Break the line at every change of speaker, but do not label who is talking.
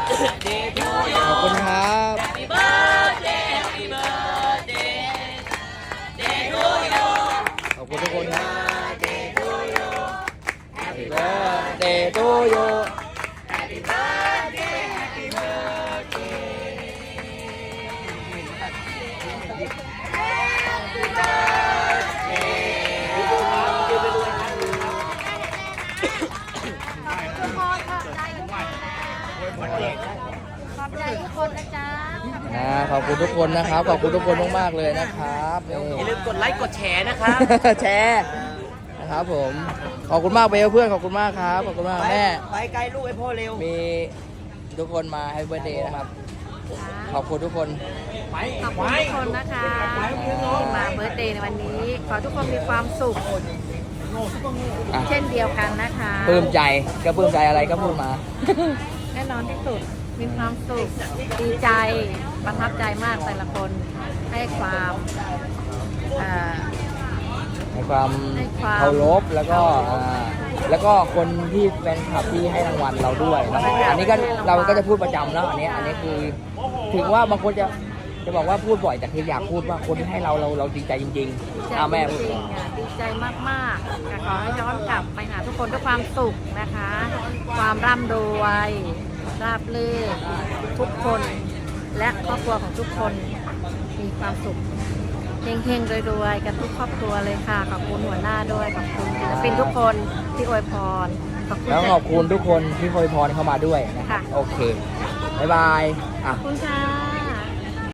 ขอบคุณครับ
Happy birthday Happy birthday Day to you
ขอบคุณทุกคนครับ Happy birthday to you
Happy birthday Happy birthday Happy birthday
ขอบใจทุกคนนะจ๊ะ
ขอบคุณทุกคนนะครับ ขอบคุณทุกคนมากๆเลยนะครับนี่
อย่าลืมกดไลค์กดแชร์นะครับ
แชร์นะครับผม ขอบคุณมากเบลเพื่อน ขอบคุณมากครับ ขอบคุณมากแม่
ไปไกลลูกไอ้พ่อเร็ว
มีทุกคนมาให้เบอร์เดย์นะครับ ขอบคุณทุกคน
ขอบคุณทุกคนนะคะที่มาเบิร์ธเดย์ในวันนี้ ขอทุกคนมีความสุข
อ่ะ
เช่นเดียวกันนะคะ
ปลื้มใจก็ปลื้มใจอะไรก็พูดมา
แน่นอนที่สุดมีความสุขดีใจประทับใจมากแต่ละคนให้ความอ่า
ให้ความ
ให้ความ
เคารพแล้วก็คนที่แฟนคลับที่ให้รางวัลเราด้วยนะอันนี้ก็เราก็จะพูดประจำแล้วอันนี้คือถึงว่าบางคนจะบอกว่าพูดบ่อยแต่คืออยากพูดว่าคนที่ให้เราดีใจจริง
ดี
ๆ
ใจ
แม่
จ
พูด
ริงๆค่ะดีใจมากๆค่ะขอให้ย้อนกลับไปหาทุกคนด้วยความสุขนะคะ ความร่ำรวยราบรื่นทุกคนและครอบครัวของทุกคนมีความสุขเฮงๆรวยๆกันทุกครอบครัวเลยค่ะขอบคุณหัวหน้าด้วยขอบคุณศิลปินทุกคนที่อวยพรขอบคุณ
แล้วขอบคุณทุกคนที่อวยพรเข้ามาด้วยนะครับ
ค่ะ
โอเคบ๊ายบายอ่ะ
ขอบคุณค่ะ